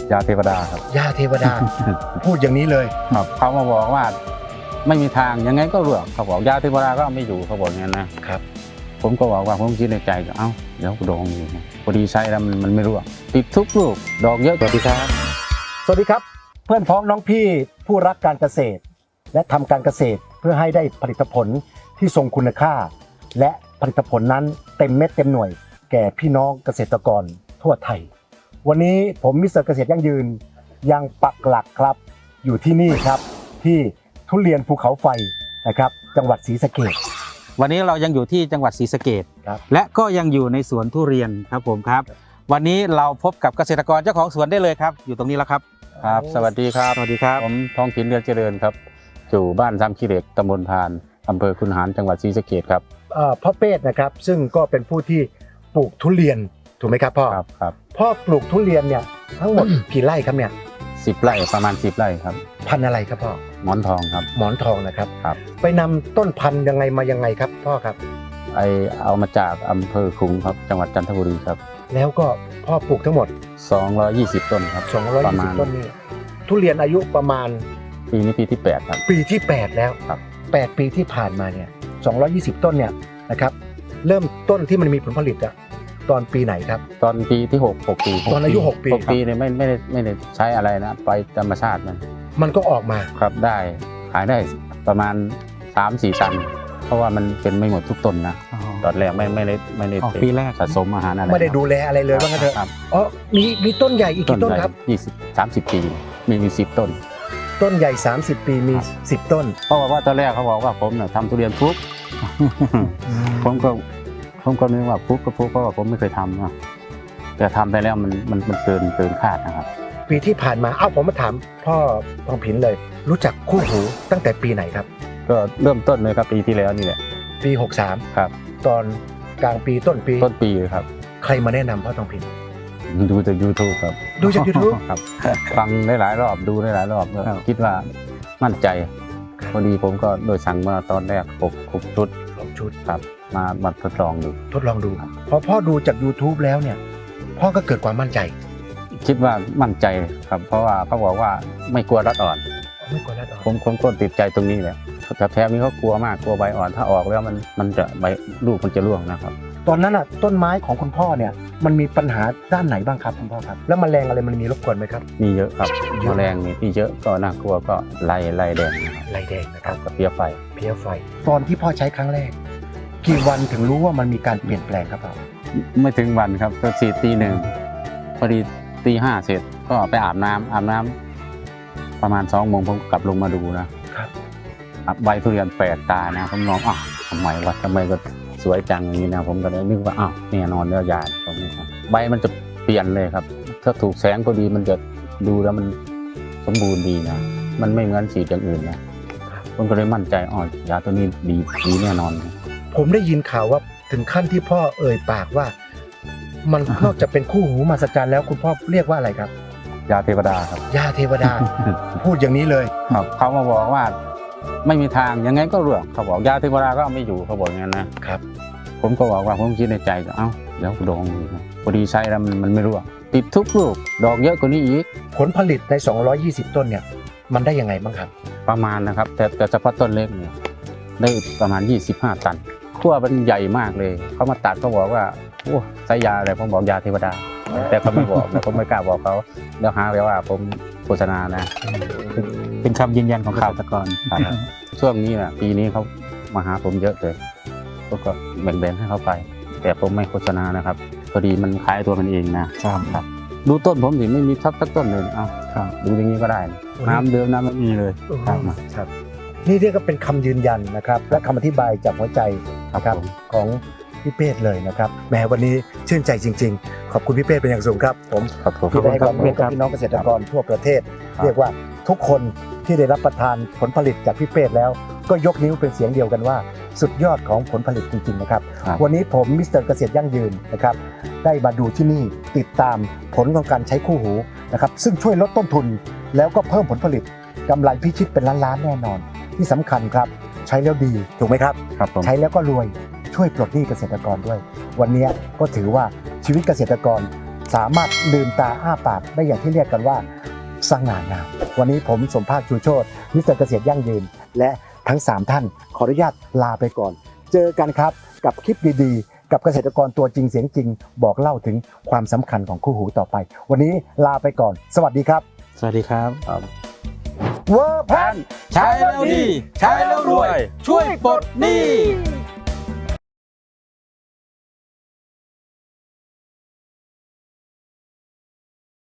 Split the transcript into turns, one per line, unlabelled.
ยาเทวดาครับ
ยาเทวดา พูดอย่างนี้เลย
ครับเขามาบอกว่าไม่มีทางยังไงก็ร่วงเขาบอกยาเทวดาก็เอาไม่อยู่เขาบอกอย่างนั้นนะครับผมก็บอกว่าผมคิดในใจก็เอ้าเดี๋ยวดองอยู่พอดีใช้แล้วมันไม่ร่วงติดทุกลูกดอกเยอะกว่าที่ครับ
สวัสดีครับเพื่อนพ้องน้องพี่ผู้รักการเกษตร และทำการเกษตรเพื่อให้ได้ผลิตผลที่ทรงคุณค่า และผลิตผลนั้นเต็มเม็ดเต็มหน่วยแก่พี่น้องเกษตรกรทั่วไทยวันนี้ผมมิสเตอร์เกษตรยั่งยืนยังปักหลักครับอยู่ที่นี่ครับที่ทุเรียนภูเขาไฟนะครับจังหวัดศรีสะเกษ
วันนี้เรายังอยู่ที่จังหวัดศรีสะเกษและก็ยังอยู่ในสวนทุเรียนครับผมครับวันนี้เราพบกับเกษตรกรเจ้าของสวนได้เลยครับอยู่ตรงนี้แล้วครับ
ครับสวัสดีครับ
สวัสดีครับ
ผมทองถิ่นเรือนเจริญครับอยู่บ้านซ้ำขี้เหล็กตำบลพานอำเภอคุนหารจังหวัดศรีสะเกษครับ
พ่อเป้นะครับซึ่งก็เป็นผู้ที่ปลูกทุเรียนถูกไหมครับพ่อ
ครับ
พ่อปลูกทุเรียนเนี่ยทั้งหมด กี่ไร่ครับเนี่ย
10 ไร่ประมาณ10 ไร่ครับ
พันธุ์อะไรครับพ่อ
หมอนทองครับ
หมอนทองนะครับ
ครับ
ไปนำต้นพันธุ์ยังไงมายังไงครับพ่อครับ
เอามาจากอำเภอขลุงครับจังหวัดจันทบุรีครับ
แล้วก็พ่อปลูกทั้งหมด
220 ต้นครับ
220 ต้นนี่ทุเรียนอายุประมาณ
ปีนี้ปีที่8ครับ
ปีที่8แล้ว
ครับ
8 ปีที่ผ่านมาเนี่ย220 ต้นเนี่ยนะครับเริ่มต้นที่มันมีผลผลิตอะตอนปีไหนครับ
ตอนปีที่6 ปี
ตอนอายุ6 ปี
6 ปีเนี่ยไม่ได้ใช้อะไรนะไปธรรมชาติ
มันก็ออกมา
ครับได้ขายได้ประมาณ 3-4 ตันเพราะว่ามันเป็นไม่หมดทุกต้นนะตอนแรกไม่ได้
ปีแรก
สะสมอาหารอะไร
ไม่ได้ดูแลอะไรเลยว่างั้นเถอะอ๋อมีต้นใหญ่อีกกี่ต้นครับ
20-30 ปีมี10 ต้น
ต้นใหญ่30 ปีมี10 ต้น
เพราะว่าตอนแรกเขาบอกว่าผมเนี่ยทำทุเรียนฟุก ผมก็นึกว่าฟุกก็ฟุกเพราะว่าผมไม่เคยทำนะแต่ทำไปแล้วมันเกินคาดนะครับ
ปีที่ผ่านมาผมมาถามพ่อทองผินเลยรู้จักคู่หูตั้งแต่ปีไหนครับ
ก็เริ่มต้นเลยครับปีที่แล้วนี่แหละ
ปี63
ครับ
ตอนกลางปีต้นปี
เลยครับ
ใครมาแนะนำพ่อทองผิน
ดูจาก YouTube ครับ
ดูจาก YouTube
ครับฟังได้หลายรอบดูได้หลายรอบคิดว่ามั่นใจพอดีผมก็โดยสั่งมาตอนแรก6 ชุดครับมาทดลองดู
พอพ่อดูจาก YouTube แล้วเนี่ยพ่อก็เกิดความมั่นใจ
คิดว่ามั่นใจครับเพราะว่าเขาบอกว่าไม่กลัวรัดอ่อนผมก็ติดใจตรงนี้แหละแต่แถมนี้เขากลัวมากกลัวใบอ่อนถ้าออกแล้วมันจะลูกมันจะร่วงนะครับ
ตอนนั้นอ่ะต้นไม้ของคุณพ่อเนี่ยมันมีปัญหาด้านไหนบ้างครับคุณพ่อครับแล้วแมลงอะไรมันมีรบกวนไหมครับ
มีเยอะครับแมลงมีเยอะก็น่ากลัวก็ไล่แดง
นะครับ
กับเพี้ยไฟ
ตอนที่พ่อใช้ครั้งแรกกี่วันถึงรู้ว่ามันมีการเปลี่ยนแปลงครับพ่อ
ไม่ถึงวันครับก็ฉีดตี 1พอดีตี 5เสร็จก็ไปอาบน้ำประมาณ2 โมงผมกลับลงมาดูนะครับใบทุเรียนแปลกตานะผมมองทำไมก็สวยจังอย่างนี้นะผมก็เลยนึกว่าแน่นอนแล้วยาตรงนี้ครับใบมันจะเปลี่ยนเลยครับถ้าถูกแสงพอดีมันจะดูแล้วมันสมบูรณ์ดีนะมันไม่เหมือนฉีดอย่างอื่นนะผมก็เลยมั่นใจยาตัวนี้ดีแน่นอน
ผมได้ยินข่าวว่าถึงขั้นที่พ่อเอ่ยปากว่ามันนอกจากเป็นคู่หูมหัศจรรย์แล้วคุณพ่อเรียกว่าอะไรครับ
ยาเทวดาครับ
ยาเทวดา พูดอย่างนี้เลย
ครับเขามาบอกว่าไม่มีทางยังไงก็ร่วงเขาบอกยาเทวดาก็เอาไม่อยู่เขาบอกอย่างนั้นนะครับผมก็บอกว่าผมคิดในใจเดี๋ยวดองพอดีใช้แล้วมันไม่ร่วงติดทุกลูกดอกเยอะกว่านี้อีก
ผลผลิตใน220 ต้นเนี่ยมันได้ยังไงบ้างครับ
ประมาณนะครับแต่เฉพาะต้นเล็กเนี่ยได้ประมาณ25 ตันขั้วมันใหญ่มากเลยเขามาตัดเขาบอกว่าใช้ยาอะไรผมบอกยาเทวดาแต่เขาไม่บอกผมไม่กล้าบอกเขาเดี๋ยวหาเลยว่าผมโฆษณานะ
เป็นคำยืนยันของเกษตรกร
ช่วงนี้นะปีนี้เขามาหาผมเยอะเลยผมก็แบ่งให้เขาไปแต่ผมไม่โฆษณานะครับพอดีมันขายตัวมันเองนะครับดูต้นผมสิไม่มีสักต้นเลยดูอย่างนี้ก็ได้น้ำเดิมน้ำไม่มีเลย
ครับนี่เรียกว่าเป็นคำยืนยันนะครับและคำอธิบายจากหัวใจนะครับของพี่เป้เลยนะครับแม้วันนี้ชื่นใจจริงๆขอบคุณพี่เป้เป็นอย่างสูงครับผมที่ได้ให้ความรู้กับพี่น้องเกษตรกรทั่วประเทศเรียกว่าทุกคนที่ได้รับประทานผลผลิตจากพี่เป้แล้วก็ยกนิ้วเป็นเสียงเดียวกันว่าสุดยอดของผลผลิตจริงๆนะครับวันนี้ผมมิสเตอร์เกษตรยั่งยืนนะครับได้มาดูที่นี่ติดตามผลของการใช้คู่หูนะครับซึ่งช่วยลดต้นทุนแล้วก็เพิ่มผลผลิตกำไรพิชิตเป็นล้านๆแน่นอนที่สำคัญครับใช้แล้วดีถูกไหมครับใช้แล้วก็รวยช่วยปลดหนี้เกษตรกรด้วยวันนี้ก็ถือว่าชีวิตเกษตรกรสามารถลืมตาอ้าปากได้อย่างที่เรียกกันว่าสง่างาม วันนี้ผมสมภาคชูโชติมิสเตอร์เกษตรยั่งยืน และทั้ง 3 ท่านขออนุญาตลาไปก่อน เจอกันครับกับคลิปดีๆ กับเกษตรกรตัวจริงเสียงจริง บอกเล่าถึงความสำคัญของคู่หูต่อไป วันนี้ลาไปก่อน สวัสดีครับ
สวัสดีครับ
เวอร์แพน
ใช้แล้วดี ใช้แล้วรวย ช่วยปลดหนี้